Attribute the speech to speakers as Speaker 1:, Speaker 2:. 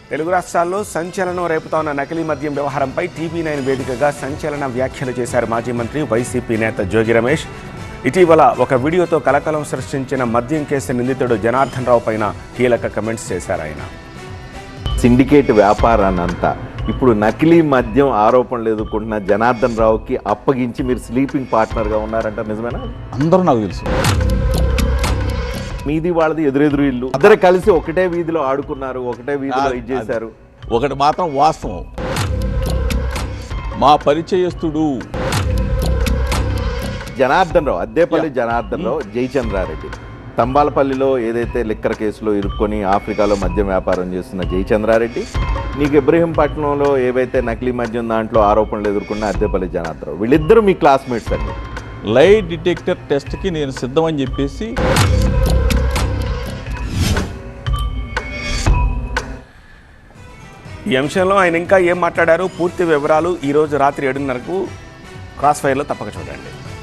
Speaker 1: తెలుగు రాష్ట్రాల్లో సంచలనం రేపుతోన్న నకిలీ మద్యం వ్యవహారంపై టీవీ9 వేదికగా సంచలన వ్యాఖ్యలు చేశారు మాజీ మంత్రి వైసీపీ నేత జోగి రమేష్. ఇటీవల ఒక వీడియోతో కలకలం సృష్టించిన మద్యం కేసు నిందితుడు జనార్దన్ రావు పైన కీలక కమెంట్స్ చేశారు ఆయన.
Speaker 2: సిండికేట్ వ్యాపారాన్నంతా ఇప్పుడు నకిలీ మద్యం ఆరోపణలు ఎదుర్కొంటున్న జనార్దన్ రావుకి అప్పగించి మీరు స్లీపింగ్ పార్ట్నర్గా ఉన్నారంట, నిజమేనా?
Speaker 3: అందరూ నాకు తెలుసు.
Speaker 2: మీది వాళ్ళది ఎదురెదురు ఇల్లు, అందరూ కలిసి ఒకటే వీధిలో ఆడుకున్నారు, ఒకటే వీధిలో ఇది చేశారు.
Speaker 3: ఒకటి మాత్రం వాస్తవం, మా పరిచయస్తుడు
Speaker 2: జనార్దన్ రావు, అద్దేపల్లి జనార్దన్ రావు, జయచంద్రారెడ్డి తంబాలపల్లిలో ఏదైతే లిక్కర్ కేసులో ఇరుక్కొని ఆఫ్రికాలో మద్యం వ్యాపారం చేస్తున్న జయచంద్రారెడ్డి, నీకు ఇబ్రహీంపట్నంలో ఏవైతే నకిలీ మద్యం దాంట్లో ఆరోపణలు ఎదుర్కొన్న అద్దేపల్లి జనార్దన్ రావు, వీళ్ళిద్దరూ మీ క్లాస్మేట్స్ అండి.
Speaker 3: లై డిటెక్టర్ టెస్ట్కి నేను సిద్ధమని చెప్పేసి
Speaker 1: ఈ అంశంలో ఆయన ఇంకా ఏం మాట్లాడారు, పూర్తి వివరాలు ఈరోజు రాత్రి 7:30కు క్రాస్ ఫైర్లో తప్పక చూడండి.